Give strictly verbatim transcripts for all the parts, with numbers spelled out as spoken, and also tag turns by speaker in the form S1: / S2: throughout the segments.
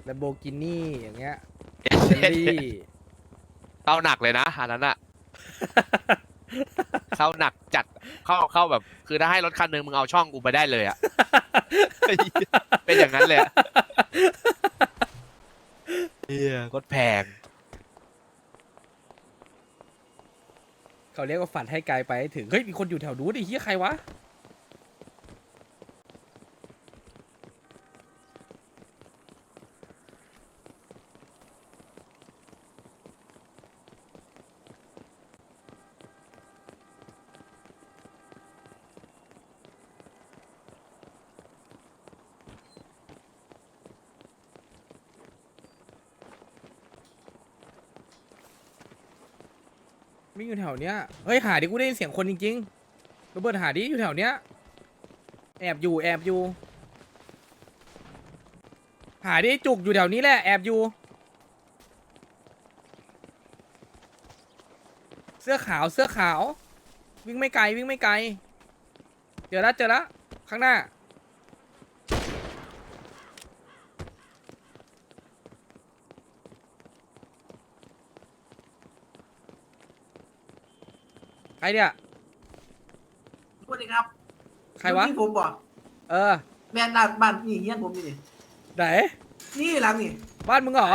S1: แลมโบกินี่อย่างเงี้ย
S2: เอ
S1: เบลลี่
S2: เข้าหนักเลยนะอันนั้นอะเข้าหนักจัดเข้าเข้าแบบคือถ้าให้รถคันหนึ่งมึงเอาช่องกูไปได้เลยอะเป็นอย่างนั้นเลยอะเฮียรถแพง
S1: เขาเรียกว่าฝันให้ไกลไปให้ถึงเฮ้ยมีคนอยู่แถวนู้นดิเฮียใครวะวิ่งอยู่แถวเนี้ยเฮ้ยหาดิกูได้ยินเสียงคนจริงๆโรเบิร์ตหาดิอยู่แถวเนี้ยแอบอยู่แอบอยู่หาดิจุกอยู่แถวนี้แหละแอบอยู่เสื้อขาวเสื้อขาววิ่งไม่ไกลวิ่งไม่ไกลเจอแล้วเจอแล้วข้างหน้าใครเนี่ย
S3: สวัสดีครับ
S1: ใครวะ
S3: ที่ผมบอก
S1: เออ
S3: แมนนาบ้านนี่เฮียนผมนี่
S1: ไหน
S3: นี่หลังนี่
S1: บ้านมึงเหรอ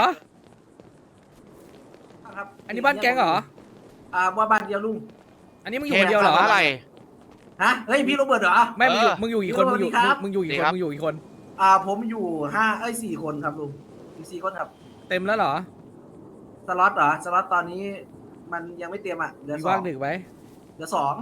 S3: ครับ
S1: อันนี้บ้านแก๊งเหรอ
S3: อ่าว่าบ้านเดียวลุง
S1: อันนี้มึงอยู่คนเดียวเหรอ
S2: อะไร
S3: ฮะเฮ้ยพี่โรเบิร์ตเหรอ
S1: ไม่มึงอยู่
S2: เออ
S1: มึงอยู่กี่คน มึงอยู่
S3: สวัสดีครับ
S1: มึงอยู่กี่คน มึงอยู่กี่คน
S3: อ่าผมอยู่ห้าเอ้ยสี่คนครับลุงอยู่สี่คนครับ
S1: เต็มแล้วเหรอ
S3: สล็อตเหรอสล็อตตอนนี้ มันยังไม่เตรียมอ่ะเหลือ
S1: มี
S3: สอ
S1: ว่าง งดึกไหม
S3: เหลือสอง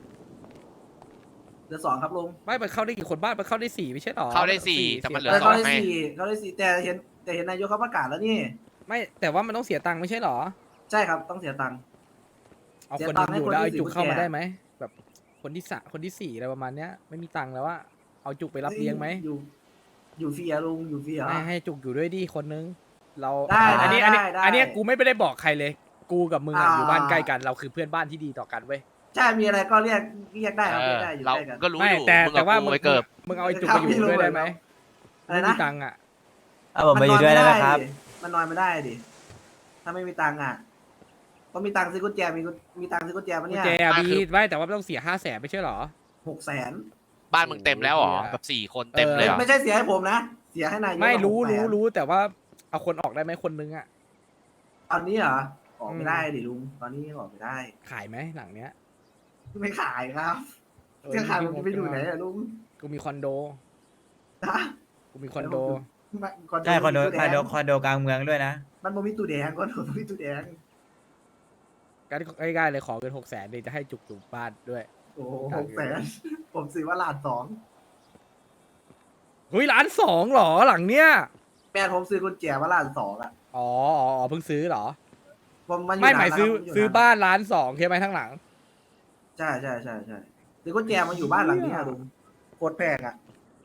S3: เหลือสองครับลุง
S1: ไม่ไปเข้าได้กี่คนบ้านไปเข้าได้สี่ไม่ใช่หรอ
S2: เข้าได้สี่แต่มันเหลือ
S3: แต่
S2: ส
S3: เขา
S2: อง
S3: ได้
S2: ไง
S3: สี่เขาได้สี่แต่เห็นแต่เห็นนายกเขาประกาศแล้วนี่
S1: ไม่แต่ว่ามันต้องเสียตังค์ไม่ใช่หรอ
S3: ใช่ครับต้องเสียตังค์
S1: เอา
S3: เสีย
S1: คน
S3: ตั
S1: นึ
S3: งค์
S1: ง
S3: ให้
S1: อยู่
S3: คน
S1: แล้ว
S3: ที่
S1: เอา
S3: สี่
S1: จุกเข้า
S3: กุญ
S1: มา
S3: แจ
S1: ได้ไหมแบบคนที่สะคนที่สี่อะไรประมาณเนี้ยไม่มีตังค์แล้วว่าเอาจุกไปรับเลี้ยงไหม
S3: อยู่ อยู่ฟรีอะลุงอยู่ฟรีเหรอ
S1: ให้ให้จุกอยู่ด้วยดิคนนึงเรา
S3: ได้
S1: อันนี้
S3: ได้
S1: อันนี้
S3: ได้
S1: อันเนี้ยกูไม่ได้บอกใครเลย กูกับมึงอะ
S3: อ่า
S1: อยู่บ้านใกล้กันเราคือเพื่อนบ้านที่ดีต่อกันเว้ย
S3: ใช่มีอะไรก็เรียกเรียกได้ครับ
S2: เอ
S3: เรีย
S2: อก
S3: ได้อยู่
S2: เรา
S3: ใกล้กัน
S2: ก็รู้
S1: ไม่
S2: อยู่
S1: แต่
S2: มึง
S1: แต่
S2: กับ
S1: ว่า
S2: กู
S1: มึง
S2: ไว้เกิบ
S1: มึงเอาไอ้จุกไปอยู่ด้วยได้ไหม
S3: อะไร
S1: ไม่
S3: นะ
S1: มีตังค์อะ
S4: เอาผมมาอยู่ด้วยได้ไหมครับ
S3: มันนอนไม่ได้ดิถ้าไม่มีตังค์อ่ะต้องมีตังค์ซื้อกุญแจมีกุญมีตังค์ซื้อกุญแจปะ
S1: กุญ
S3: เนี่ย
S1: แจ
S2: อ่ะ
S1: มี
S2: คือ
S1: ไว้แต่ว่าต้องเสียห้าแสนไม่ใช่หรอ
S3: หกแสน
S2: บ้านมึงเต็มแล้วเหรอแบบสี่คนเต็มเลยเหรอ
S3: ไม่ใช่เสียให้ผมนะเสียให้นายก
S1: ไม่รู้
S3: หกแสน
S1: รู้รู้แต่ว่าเอาคนออกได้ไหมคนนึงอะ
S3: ตอนนี้เหรอออก
S1: อื
S3: ไม่
S1: ม
S3: ได้ดิลุงตอนนี้ออกไม่ได้
S1: ขายไหมหลังเนี้ย
S3: ไม่ขายครับ
S1: เออ
S3: จะขายผม
S1: ง
S3: จะไปอยู่ไหนอะลุง
S1: กูมีคอนโด
S3: ฮะ
S1: กูมีคอนโด
S3: ไม่
S4: ใช่คอนโด
S3: มี
S4: คอนโด
S3: ตู้แง
S4: คอนโดกลางเมืองด้วยนะ
S3: มันบ่มีตู้แดงคอนโดบ่มีตู้แดง
S1: การง่ายๆเลยขอเกินหกแสนเลยจะให้จุกจุกบ้านด้วย
S3: โอ้โหหกแสนผมซื้อว่าล้านสอง
S1: เฮ้ยล้านสองเหรอหลังเนี้ย
S3: แม่ผมซื้อกุญแจว่าล้านสองอะ
S1: อ๋ออ๋ออ๋อเพิ่งซื้อเหรอ
S3: ผมมันอยู่
S1: ไม่หมาย
S3: นน
S1: ซื้อ
S3: แล้วครับ
S1: ซื้อบ้านล้านสองใช่ไหมทั้งหลัง
S3: ใช่ใช่ใช่ใช่ซื้อกุญแจมาอยู่บ้านหลังนี้อะลุงโคตรแพงอะ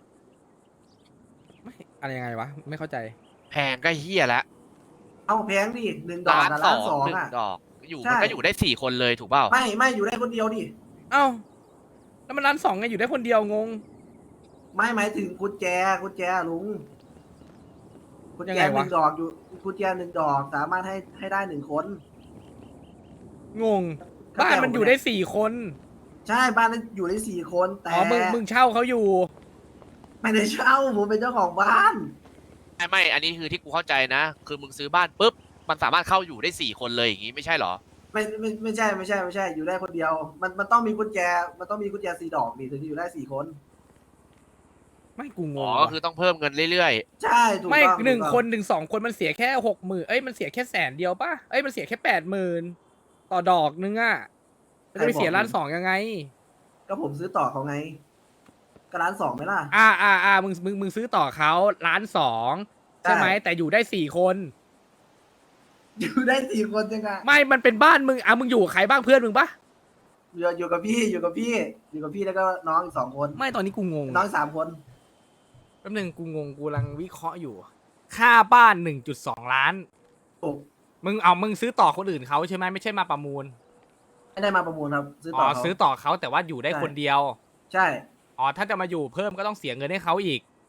S1: ไม่อะไรยังไงวะ ไม่เข้าใจ
S2: แพงก็เฮียแล้ว
S3: เอ้าแพงดิหนึ่งดอก
S2: ล้าน
S3: อะ
S2: ส
S3: ล้า
S2: อน ง
S3: สอง
S2: หนึ่ง
S3: อะ
S2: ดอกอยู่
S3: ใช่
S2: มันก็อยู่ได้สี่คนเลยถูกเปล่า
S3: ไม่ไม่อยู่ได้คนเดียวดิ
S1: เอ้าแล้วมันล้านสองไงอยู่ได้คนเดียวงง
S3: ไม่หมายถึงกุญแจกุญแจลุงกุญ
S1: ยัง
S3: แจ
S1: ไง
S3: ห
S1: วะ
S3: นึ่งดอกอยู่กุญแจหนึ่งดอกสามารถให้ให้ได้หนึ่งคน
S1: งง บ้านมันอยู่ได้สี่คน
S3: ใช่บ้านนั้นอยู่ได้สี่คนแต่
S1: อ๋อมึงมึงเช่าเขาอยู่
S3: ไม่ได้เช่าผมเป็นเจ้าของบ้าน
S2: ไม่ไม่อันนี้คือที่กูเข้าใจนะ คือมึงซื้อบ้านปุ๊บมันสามารถเข้าอยู่ได้สี่คนเลยอย่างงี้ไม่ใช่เหรอ
S3: ไม่ไม่ไม่ใช่ไม่ใช่ไม่ใช่อยู่ได้คนเดียว มันมันต้องมีกุญแจ มันต้องมีกุญแจสี่ดอกนี่ถึงจะอยู่ได้สี่คน
S1: ไม่กูง
S2: อ๋
S1: ง
S2: อก็
S1: ว่ะ
S2: คือต้องเพิ่มเงินเรื่อย
S3: ใช่ถูก
S1: ไม่
S3: ต้อง
S1: หนึ่ง
S3: ถูกต้อง
S1: คนหนึ่งสองคนมันเสียแค่หกหมื่นเอ้ยมันเสียแค่แสนเดียวป่ะเอ้ยมันเสียแค่แปดหมื่นต่อดอกนึงอ่ะมันจะไปเสียล้านสองยังไง
S3: ก็ผมซื้อต่อเขาไงก็ร้านสองไหมล่ะ
S1: อ่าอ่าอ่ามึงมึงมึงซื้อต่อเขาล้านสองใช่ไหม
S3: ใช่
S1: แต่อยู่ได้สี่คน
S3: อยู่ได้สี่คนยังไง
S1: ไม่มันเป็นบ้านมึงอ่ะมึงอยู่กับใครบ้างเพื่อนมึงปะ
S3: อยู่อยู่กับพี่อยู่กับพี่ อยู่กับพี่แล้วก็น้องอีกสองคน
S1: ไม่ตอนนี้กูงง
S3: น้องอีกสามคน
S1: แป๊บนึงกูงงกูกำลังวิเคราะห์อยู่ ค่าบ้านหนึ่งจุดสองล้าน
S3: โอ้
S1: มึงเอามึงซื้อต่อคนอื่นเขาใช่ไหมไม่ใช่มาประมูล
S3: ไม่ได้มาประมูลครับ ซื้อ
S1: อ๋
S3: ต่
S1: อ
S3: อเขา
S1: ซื้อต่อเขาแต่ว่าอยู่ได้
S3: ใช่
S1: คนเดียว
S3: ใช่
S1: อ๋อถ้าจะมาอยู่เพิ่มก็ต้องเสียเงินให้เขาอีก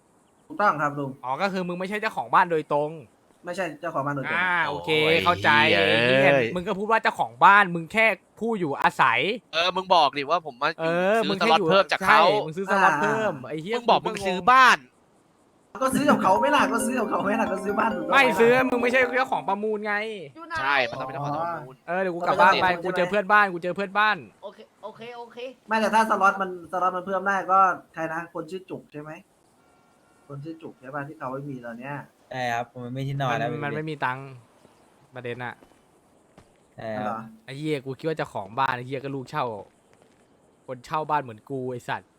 S3: ถูกต้องครับลุง
S1: อ๋อก็คือมึงไม่ใช่เจ้าของบ้านโดยตรง
S3: ไม่ใช่เจ้าของบ้านโดยตรง
S1: อ่าโอเค
S2: โอ้ย
S1: เข้าใจ
S2: เหี้ย
S1: เหี้ยมึงก็พูดว่าเจ้าของบ้านมึงแค่ผู้อยู่อาศัย
S2: เออมึงบอกดิว่าผมมา
S1: เออ
S2: ซื้
S1: มึ
S2: อง สล็อต
S1: แค่ยู่
S2: เพิ่มจากเขา
S1: ใช่มึงซื้อสล็อตเพิ่มไอ้เหี้ย
S2: มึงบอกมึงซื้อบ้าน
S3: ก็ซื้อกับเขาไม่ล่ะก็ซื้อกับเขาไม่ล่ะก็ซื้อบ้านถูกต้อง
S1: ไม่
S3: หล่ะ
S1: ซื้อมึงไม่ใช่เจ้าของประมูลไง
S2: ใช่มันต้องเป็นเจ้าของประมูล
S1: เออเดี๋ยวกูกลับบ้านไป
S3: ใช่ไหม
S1: กูเจอเพื่อนบ้านกูเจอเพื่อนบ้าน
S5: โอเค โอเค โอเค
S3: ไม่แต่ถ้าสล็อตมันสล็อตมันเพิ่มได้ก็ใครนะคนชื่อจุกใช่ไหมคนชื่อจุกใช่ป่ะที่เขาไม่มีตอนเนี้ย
S4: ใช่ครับผมไม่ที่นอน
S1: มัน
S4: แล้ว
S1: มันไม่มีตังค์ประเด็นอะ
S4: ใช่ค
S3: เหร
S4: รับ
S3: อ
S1: ไอ้เหี้ยกูคิดว่าเจ้าของบ้านไอ้เหี้ยก็ลูกเช่า คนเช่าบ้านเหมือนกูไอ้สัตว์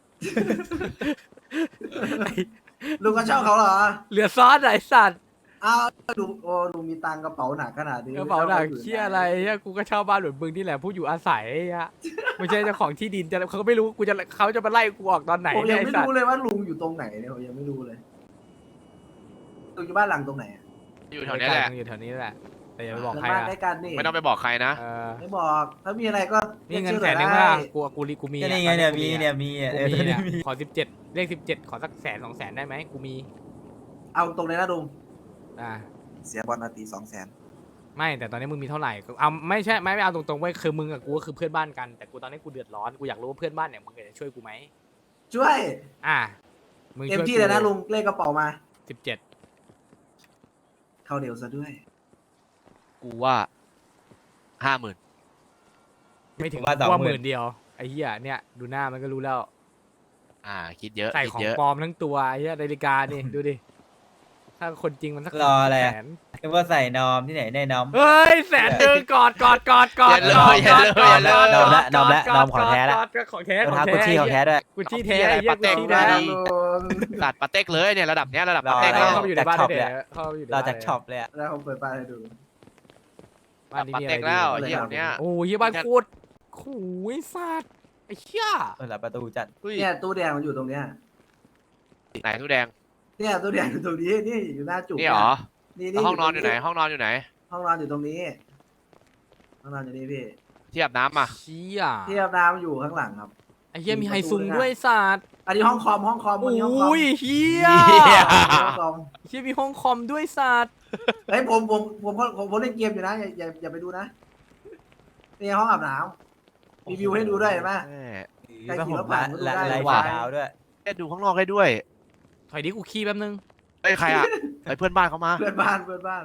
S3: ลุงก็เช่าเขาเหรอ
S1: เหลือซอสอะไอ้สัตว์
S3: อ้าวลุงโอ้ลุงมีตังค์กระเป๋าหนักขนาดนี้
S1: กระเป๋าหนัก
S3: ช่
S1: เชี่ยอะไรเหี้ยกูก็เช่าบ้านเหมือนมึงนี่แหละผู้อยู่อาศัยไอ้เหี้ยไม่ใช่เจ้าของที่ดินจะเขาก็ไม่รู้กูจะเขาจะมาไล่กูออกตอนไหน
S3: ผม
S1: เนี่
S3: ยั
S1: ย
S3: ง
S1: ไอ้
S3: ไม่
S1: สัต
S3: รู้
S1: ว์
S3: เลยว่าลุงอยู่ตรงไหนเนี่ยผมยังไม่รู้เลยลุงอยู่บ้านหลังตรงไหนอะ
S2: อยู่แถวเนี้ยแหละ
S1: อยู่แถวนี้แหละ แต่อย่าไปบอก
S3: หลั
S1: ใครง
S3: บ้าน
S1: อะ
S3: ใกล้กันนี่
S2: ไม่ต้องไปบอกใครนะ
S1: เออ
S3: ไม่บอกถ้ามีอะไรก็
S1: นี่เงิน
S3: รียก
S1: แส
S3: ชื่อน
S1: หนึ่ง
S3: ได้
S1: ป่ะกูกูรีกูมี
S4: ก็
S1: อะ
S4: นี่ไงเนี่ยมีเนี่ยมี
S1: กู
S4: เออ
S1: มี
S4: ตอน
S1: เนี่
S4: นี้
S1: ย
S4: มี
S1: ขอสิบเจ็ดเลขสิบเจ็ดขอสักแสนสองแสนได้ไหมกูมี
S3: เอาตรงเลยนะลุง
S1: อ่า
S3: เสียบอลนาทีสองแสน
S1: ไม่แต่ตอนนี้มึงมีเท่าไหร่เอาไม่ใช่ไม่ไม่เอาตรงๆไว้ยคือมึงกับกูก็คือเพื่อนบ้านกันแต่กูตอนนี้กูเดือดร้อนกูอยากรู้ว่าเพื่อนบ้านเนี่ยมึงจะช่วยกูไหม
S3: ช่วย
S1: อ่ามึง
S3: เต็ม
S1: ช่วย
S3: ที่เลยนะลุงเลขกระเป๋ามา
S1: สิบเจ็ด
S3: เข้าเดียวซะด้วย
S2: กูว่าห้าหมื่น
S1: ไม่ถึง
S4: ผมว่าสอง
S1: ว่า
S4: ห
S1: ห
S4: มื่
S1: มื่
S4: น
S1: นเดียวไอ้เหี้ยเนี่ยดูหน้ามันก็รู้แล้ว
S2: อ่า คิดเยอะ
S1: ใส่
S2: คิด
S1: ของ
S2: เยอะ
S1: ปลอมทั้งตัวไอ้เหี้ยนาฬิกานี่ ดูดิถ้าคนจริงมันสัก
S4: รออะไร
S1: แส
S4: อะ
S1: น
S4: นึกว่าใส่นอมที่ไหนได้นอม
S1: เฮ้ยแสนหนึ่งกอดกอดกอดกอด
S2: อย่าเลย
S1: กอด
S2: อย่าเลย
S1: กอด
S2: อย่าเลย
S1: กอด
S4: นอมละนอมละ
S1: กด
S4: นอมของแท้ละ
S1: กอดกอดของแท้
S4: รอง
S1: ของ
S4: เท้ากุชชี่ของแท้ด้วย
S1: กุชชี่แท้ไอ้เหี้ย
S2: ปาเต้
S1: กุชชี่
S2: มา
S1: แท้
S2: ดี
S3: ลุง
S2: ตัดปาเต็กเลยเนี่ยระดับเนี้ยระดับ
S4: รอ
S2: ปาเต็ก
S4: อะไร
S2: แล้ว
S1: เข้าไปอยู่ในบ้าน
S4: จากช็อป
S1: ได้
S4: เลย
S1: เดี๋ยวเข้าไปอยู่ใน
S4: เรา
S1: บ้าน
S4: จากช็อปเลยอะ
S3: แล้วผมเปิดป้ายให้ดู
S1: บ้านนี้
S2: ปา
S1: มีอะ
S2: เต็
S1: ไร
S2: ก
S1: ดี
S2: แล้ว
S3: อะไร
S2: เฮีย
S3: ครับ
S2: เนี้ย
S1: โอ้ยบ้านโคตรโอ้ยสัตว์ไอ้เหี้ย
S4: เปิดประตูจัด
S2: อุ้ย
S3: เนี่ยตู้แดงมันอยู่ตรงเนี้ย
S2: ไหนตู้แดง
S3: เนี่ยตู้แดงอยู่ตรงนี้นี่อยู่หน้าจุก
S2: นี่เหรอ
S3: นี่
S2: แล้วห้องนอนอยู่ไหน ห้องนอนอยู่ไหน
S3: ห้องนอนอยู่ตรงนี้ห้องนอนอยู่นี่พี่
S2: ที่อาบน้ำอ่ะ
S1: เชี่ย
S3: ที่อาบน้ำอยู่ข้างหลังครับ
S1: ไอ้เหี้ยมีไฮซุงด้วยสัตว์
S3: อันนี้ห้องคอมห้องคอม
S1: โอ
S3: อันนี้ห้องคอม้
S1: ยเหี้ย
S3: ห้องคอม
S1: เหี้ยมีห้องคอมด้วยสัตว์
S3: เฮ้ยผมผมผมผมผมผมเล่นเกมอยู่นะอย่าอย่าอย่าไปดูนะนี่ห้องอาบน้ำมีวิวให้ดูด้วยเห็นไหม
S2: แม่
S3: ใคร
S4: ก็
S3: ขี่
S4: ผม
S3: รถผ่า
S4: ละ
S3: นก็ดู
S4: ละ
S3: ได้
S4: ลาย
S3: ว่ะ
S4: ดาวด้วย
S2: แค่ดูข้างนอกให้ด้วย
S1: ถอยดิกูขี้แป๊บนึง
S2: เอ้ยใครอ่ะไอ้เพื่อนบ้านเขามา
S3: เพื่อนบ้านเพื่อนบ้าน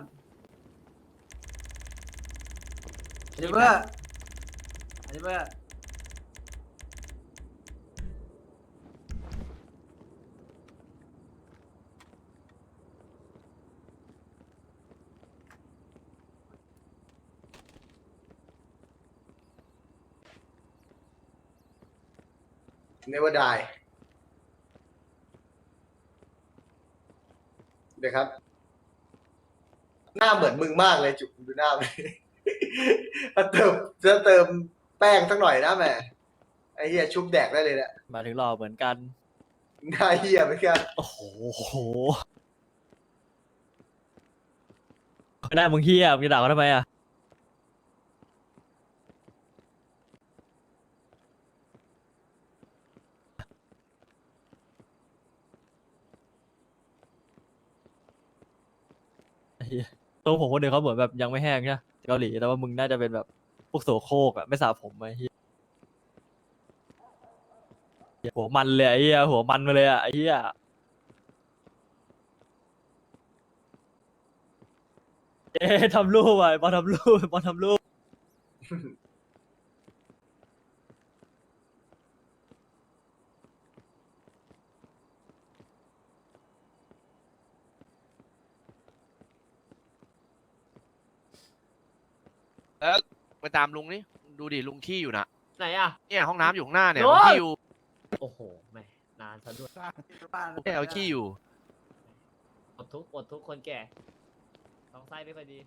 S3: อันนี้เพื่ออันนี้เพื่อ
S6: Never die เดี๋ยวครับ หน้าเหมือนมึงมากเลยจุกดูหน้าเลยถ้าเติมจะเติมแป้งสักหน่อยนะแม่ไอ้เหี้ยชุบแดกได้เลยแหละ
S7: มาถึงหล่อเหมือนกัน
S6: หน้าเหี้ยเหมือนกัน
S7: โอ้โหหน้ามึงเฮียมึงจะด่าเขาทำไมอ่ะไอ้เหี้ยตัวผมคนเดียวเขาเหมือนแบบยังไม่แห้งใช่ไหมเกาหลีแต่ว่ามึงน่าจะเป็นแบบพวกโสโครกอ่ะไม่สระผมไอ้เหี้ยหัวมันเลยไอ้เหี้ยหัวมันมาเลยอ่ะไอ้เหี้ย เอ๊ะทำรูปอ่ะบอลทำรูปบอลทำรูป
S2: แล้วไปตามลุงนี่ดูดิลุงขี้อยู่นะ
S5: ไหนอ่ะ
S2: เนี่ยห้องน้ำอยู่ข้างหน้าเนี่ย
S5: โอ้
S2: ลุง
S5: ย
S2: ขี้อยู่
S5: โอ้โหแหม่นานซะด้วย
S2: เนี่ยเอาขี้อยู่
S5: อดทุกข์อดทุกข์คนแก่ท้องไส้ไม่ค่อยดี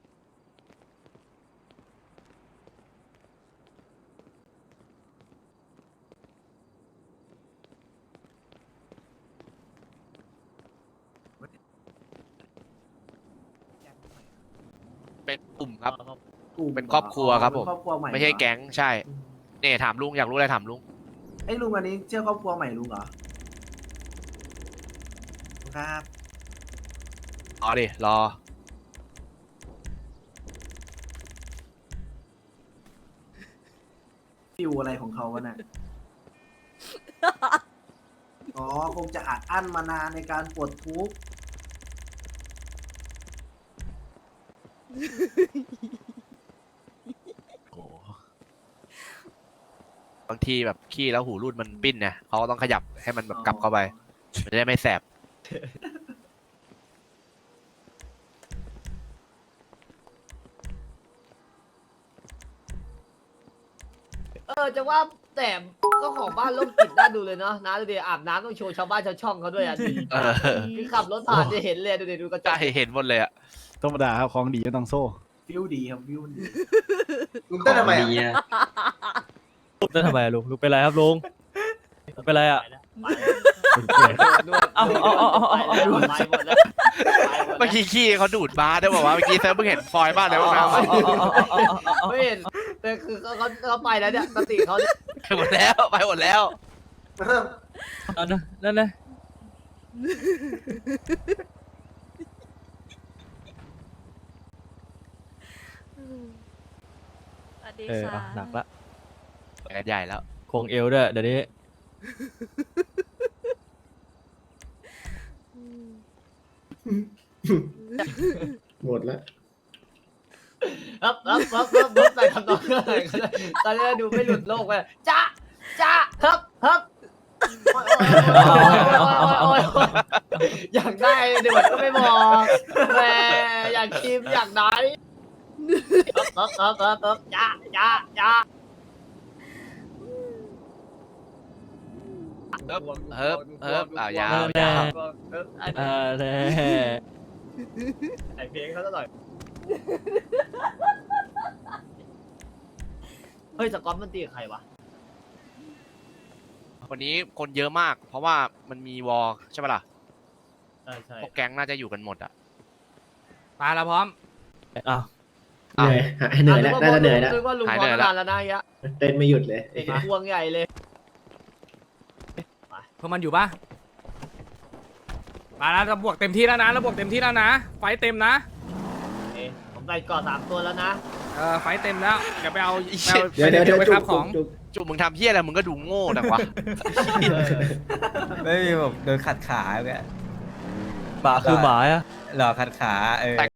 S2: เป็นกลุ่มครับ
S5: อ๋อครับ
S3: กลุ่ม
S2: เป็นครอบครัวครับผม
S3: เป็นครอบครัวใหม่
S2: ไม่ใช่แก๊งใช่เนี่ยถามลุงอยากรู้อะไรถามลุง
S3: ไอ้ยลุงอันนี้เชื่อครอบครัวใหม่ลุงเหรอครับ
S2: รอดิรอ
S3: ฟิวอะไรของเขาวะน่ะ อ๋อ คงจะอัดอั้นมานานในการปลดทุกข์
S2: โอ้บางทีแบบขี้แล้วหูรูดมันปิ้นไงเขาก็ต้องขยับให้มันแบบกลับเข้าไป มันจะได้ไม่แสบ
S5: เออจะว่าแต่ก็ของบ้านร่มกลิ่นน่าดูเลยเนาะน้าดูดิอาบน้ำต้องโชว์ชาวบ้านชาวช่องเขาด้วยอ่ะดูดิ
S2: เออ
S5: คือขับรถผ่านจะเห็นเลยดูดิดูกระจ
S2: ใช่
S5: ก
S2: เห็นหมดเลยอะ
S8: ธรรมดาครับของดีก็ต้องโซ่
S3: ฟิวดีครับฟิวดี
S6: ลุงเต้นทำไมอะ
S7: ลุงจะทำไมอะลุงลุงเป็นไรครับลุงลุงเป็นไรอ่ะ
S5: นวด
S7: เอาเอาเอาเอาเอา
S5: ไปแล้วไปหมดแล้วไปหมด
S2: เมื่อ
S5: แล้ว
S2: กี้ขี้เขาดูดมาได้บอกว่าเมื่อกี้เซิร์ฟเพิ่งเห็นฟอยล์บ้านแล้วนะ
S5: ไม่เห็นแต่คือเขาเขาเขาไปแล้วเนี่ยสติเขาเนี่ย
S2: ไปหมดแล้วไปหมดแล้ว
S7: เอานะนั่นนะ
S9: สวัสดี
S7: เออ
S9: ค่ะ
S7: เอาหนักละ
S2: ไปกันใหญ่แล้ว
S7: โคงเอวด้วยเดี๋ยวนี้
S6: หมดแล้ว
S5: ครับครับครับครับครับไปทำนองอะไรก็ได้ตอนนี้ดูไม่หลุดโลกไปจ้าจ้าครับครับโอ๊ยโอ๊ยโอ๊ยโอ๊ยโอ๊ยโอ๊ยอยากได้เดี๋ยวมันก็ไม่บอกแหมอยากชิมอยากได้ครับครับครับครับจ้าจ้าจ้า
S2: เฮิบเฮิบเฮิบอ่ะยาว
S7: แน่
S2: ยาว
S7: อ่าแน่
S5: ใส่เพลงเขาซะหน่อยเฮ้ยสกอตมันตีกับใครวะ
S2: วันนี้คนเยอะมาก เพราะว่ามันมีวอลใช่ปะล่ะ
S5: ใช่ใช่
S2: พวกแก๊งน่าจะอยู่กันหมดอ่ะ
S1: มาแล้วพร้อม
S7: อ้าว
S2: อ้าว
S6: เหนื่อยแล้วน่าจะเหนื่อยแล้ว
S5: นึกว่าลุง
S2: หาย
S5: พ
S2: เหนื่
S5: ร้อ
S2: อย
S5: ม
S2: แล้ว
S5: นานแล้วนะยะ
S6: เต้นไม่หยุดเลย
S5: เด็กพวงใหญ่เลย
S1: เพื่อมันอยู่ปะมาแล้วเราบวกเต็มที่แล้วนะเราบวกเต็มที่แล้วนะ ไฟเต็มนะ
S5: เอ๊ะผมใส่ก่อสามตัวแล้วนะ
S1: เออไฟเต็มแล้วเดี๋ยวไปเอาไปเอา
S6: เดี๋ยวเดี๋ยวเดี๋ยว
S1: ไป
S6: จุ
S1: ครับ
S6: ก
S1: ของ
S6: จุก
S2: จุกมึงทำเพี้ยอะไรมึงก็ดูโง่แต่วะ
S4: ไม่มีแบบโดนขัดขาแก
S7: หมาคือหมาอะ
S4: หลอกขัดขาเออ